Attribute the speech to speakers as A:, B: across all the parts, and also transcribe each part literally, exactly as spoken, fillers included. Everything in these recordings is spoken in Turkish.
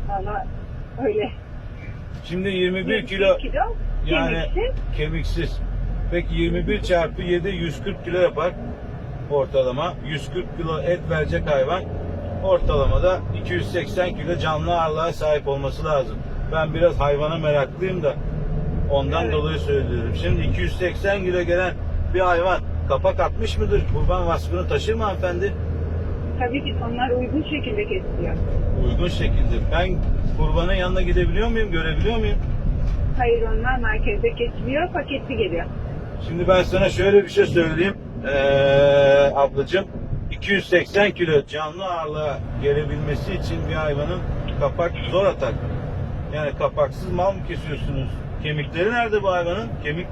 A: Valla öyle.
B: Şimdi yirmi bir
A: yirmi bir
B: kilo,
A: kilo
B: yani
A: kemiksiz.
B: kemiksiz. Peki yirmi bir çarpı yedi yüz kırk kilo yapar ortalama. yüz kırk kilo et verecek hayvan ortalamada iki yüz seksen kilo canlı ağırlığa sahip olması lazım. Ben biraz hayvana meraklıyım da ondan
A: Evet.
B: dolayı söylüyorum. Şimdi iki yüz seksen kilo gelen bir hayvan kapak atmış mıdır? Kurban vasfını taşır mı hanımefendi?
A: Tabii ki onlar uygun şekilde kesiliyor.
B: Uygun şekilde. Ben kurbanın yanına gidebiliyor muyum? Görebiliyor muyum?
A: Hayır, onlar merkezde kesiliyor, paketli geliyor.
B: Şimdi ben sana şöyle bir şey söyleyeyim. Ee, ablacığım, iki yüz seksen kilo canlı ağırlığa gelebilmesi için bir hayvanın kapak zor atar. Yani kapaksız mal mı kesiyorsunuz? Kemikleri nerede bu hayvanın? Kemik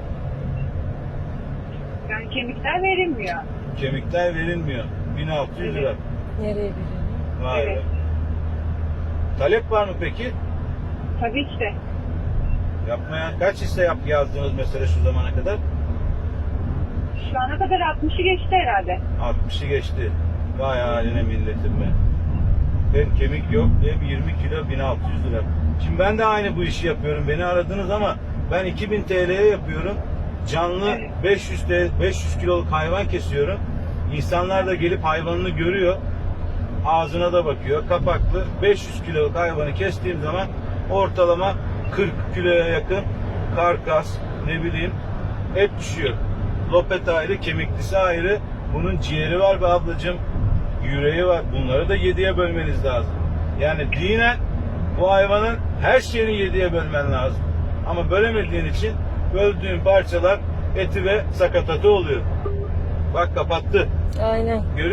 A: Yani kemikler verilmiyor.
B: kemikler verilmiyor. bin altı yüz lira.
C: Nereye veriyor?
B: Vay be.
A: Evet.
B: Talep var mı peki?
A: Tabii ki de.
B: Yapmaya kaç hisse yap yazdınız mesela şu zamana kadar?
A: Şu ana kadar altmışı geçti herhalde.
B: altmışı geçti. Vay haline milletim be. Hem kemik yok hem yirmi kilo bin altı yüz lira. Şimdi ben de aynı bu işi yapıyorum. Beni aradınız ama ben iki bin T L'ye yapıyorum. Canlı
A: Evet.
B: beş yüz T- beş yüz kiloluk hayvan kesiyorum. İnsanlar da gelip hayvanını görüyor. Ağzına da bakıyor. Kapaklı beş yüz kiloluk hayvanı kestiğim zaman ortalama kırk kiloya yakın karkas, ne bileyim, et düşüyor. Lopet ayrı, kemiklisi ayrı. Bunun ciğeri var be ablacığım. Yüreği var. Bunları da yediye bölmeniz lazım. Yani dinen bu hayvanın her şeyini yediye bölmen lazım. Ama bölemediğin için böldüğün parçalar eti ve sakatatı oluyor. Bak kapattı.
C: Aynen.
B: Görüyor